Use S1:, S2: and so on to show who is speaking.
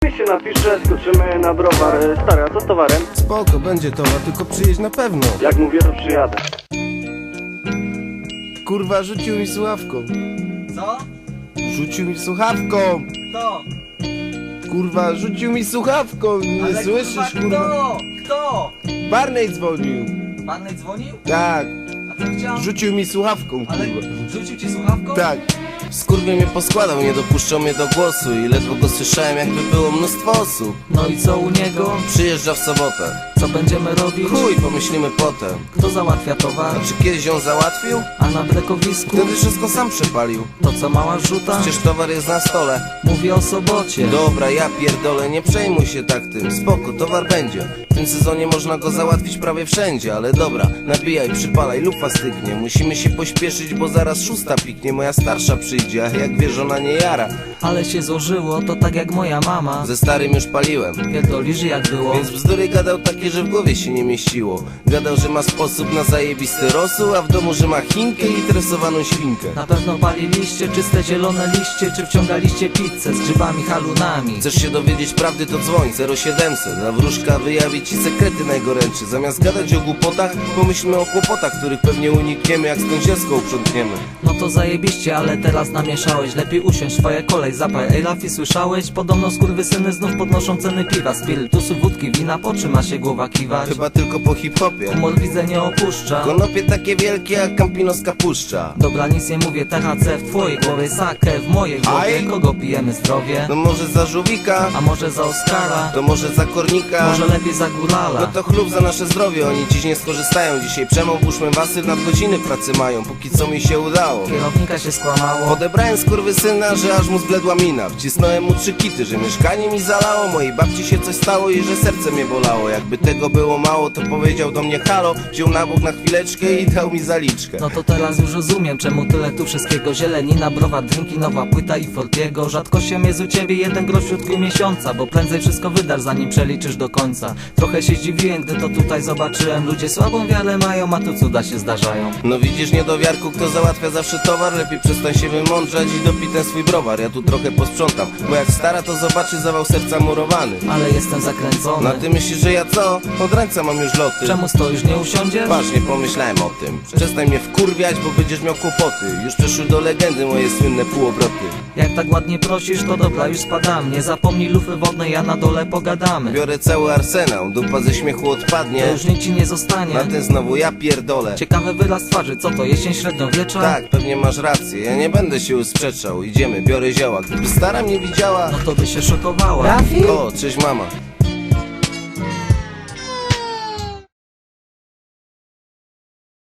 S1: się napisze, skoczymy na browar. Stary, a co z towarem?
S2: Spoko, będzie towar, tylko przyjedź na pewno.
S1: Jak mówię, to przyjadę.
S2: Kurwa, rzucił mi słuchawką.
S3: Co?
S2: Rzucił mi słuchawką.
S3: Kto?
S2: Kurwa, rzucił mi słuchawką. Nie
S3: Ale
S2: słyszysz, kurwa?
S3: Kto? Kto?
S2: Barney dzwonił.
S3: Barney dzwonił?
S2: Tak,
S3: A co chciał?
S2: rzucił mi słuchawką,
S3: Ale
S2: kurwa.
S3: rzucił ci słuchawką?
S2: Tak. Skurwiel mnie poskładał, nie dopuszczał mnie do głosu i ledwo go słyszałem, jakby było mnóstwo osób.
S3: No i co u niego?
S2: Przyjeżdża w sobotę.
S3: Co będziemy robić?
S2: Chuj, pomyślimy potem.
S3: Kto załatwia towar?
S2: A czy kiedyś ją załatwił?
S3: A na brekowisku?
S2: Wtedy wszystko sam przepalił.
S3: To co, mała rzuta?
S2: Przecież towar jest na stole.
S3: Mówię o sobocie.
S2: Dobra, ja pierdolę, nie przejmuj się tak tym. Spoko, towar będzie. W tym sezonie można go załatwić prawie wszędzie. Ale dobra, nabijaj, przypalaj, lufa stygnie. Musimy się pośpieszyć, bo zaraz 6 piknie. Moja starsza przyjdzie, a jak wiesz, ona nie jara.
S3: Ale się złożyło, to tak jak moja mama.
S2: Ze starym już paliłem.
S3: Pierdolisz jak było.
S2: Więc bzdury gadał takie, że w głowie się nie mieściło. Gadał, że ma sposób na zajebisty rosół, a w domu, że ma chinkę i tresowaną świnkę.
S3: Na pewno paliliście czyste zielone liście, czy wciągaliście pizzę z grzybami halunami.
S2: Chcesz się dowiedzieć prawdy, to dzwoń 0700. A wróżka wyjawi ci sekrety najgorętsze. Zamiast gadać o głupotach, pomyślmy o kłopotach, których pewnie unikniemy, jak z kąsielską uprzątniemy.
S3: No to zajebiście, ale teraz namieszałeś. Lepiej usiądź, twoja kolej, zapaj. Ej Lafi, słyszałeś? Podobno skurwysyny znów podnoszą ceny piwa, spirytusu, wódki, wina, po czym ma się głowa kiwać?
S2: Chyba tylko po hip-hopie.
S3: Humor widzę nie opuszcza.
S2: Konopie takie wielkie jak Campinoska puszcza.
S3: Dobra, nic nie mówię, THC w twojej głowie, sakę w mojej głowie.
S2: Aj.
S3: Kogo pijemy zdrowie?
S2: No może za żółwika,
S3: A może za Oskara?
S2: to może za kornika.
S3: Może lepiej za Górala?
S2: No to chlub za nasze zdrowie, oni dziś nie skorzystają. Dzisiaj przemą, puszczmy wasy, nadgodziny pracy mają. Póki co mi się udało.
S3: Kierownika się skłamało.
S2: Odebrałem skurwysyna, że aż mu zbledła mina. Wcisnąłem mu 3 kity, że mieszkanie mi zalało. Mojej babci się coś stało i że serce mnie bolało. Jakby tego było mało, to powiedział do mnie halo. Wziął na bok na chwileczkę i dał mi zaliczkę.
S3: No to teraz już rozumiem, czemu tyle tu wszystkiego. Zielenina, browar, drinki, nowa płyta i Fortiego. Rzadkością jest u ciebie jeden grosz w środku miesiąca, bo prędzej wszystko wydasz, zanim przeliczysz do końca. Trochę się zdziwiłem, gdy to tutaj zobaczyłem. Ludzie słabą wiarę mają, a tu cuda się zdarzają.
S2: No widzisz, niedowiarku, kto załatwia zawsze towar. Lepiej przestań się wymądrzać i dopij ten swój browar. Ja tu trochę posprzątam, bo jak stara to zobaczy zawał serca murowany.
S3: Ale jestem zakręcony.
S2: No ty myślisz, że ja co? Od ręca mam już loty.
S3: Czemu stoisz, nie usiądziesz?
S2: Właśnie pomyślałem o tym. Przestań mnie wkurwiać, bo będziesz miał kłopoty. Już przeszły do legendy moje słynne półobroty.
S3: Jak tak ładnie prosisz, to dobra, już spadam. Nie zapomnij lufy wodnej, a na dole pogadamy.
S2: Biorę cały arsenał, dupa ze śmiechu odpadnie.
S3: To już nic ci nie zostanie.
S2: Na ten znowu ja pierdolę.
S3: Ciekawy wyraz twarzy, co to, jesień średniowiecza?
S2: Tak, pewnie masz rację, ja nie będę się usprzeczał. Idziemy, biorę zioła. Gdyby stara mnie widziała...
S3: No to by się szokowała.
S2: O, cześć mama.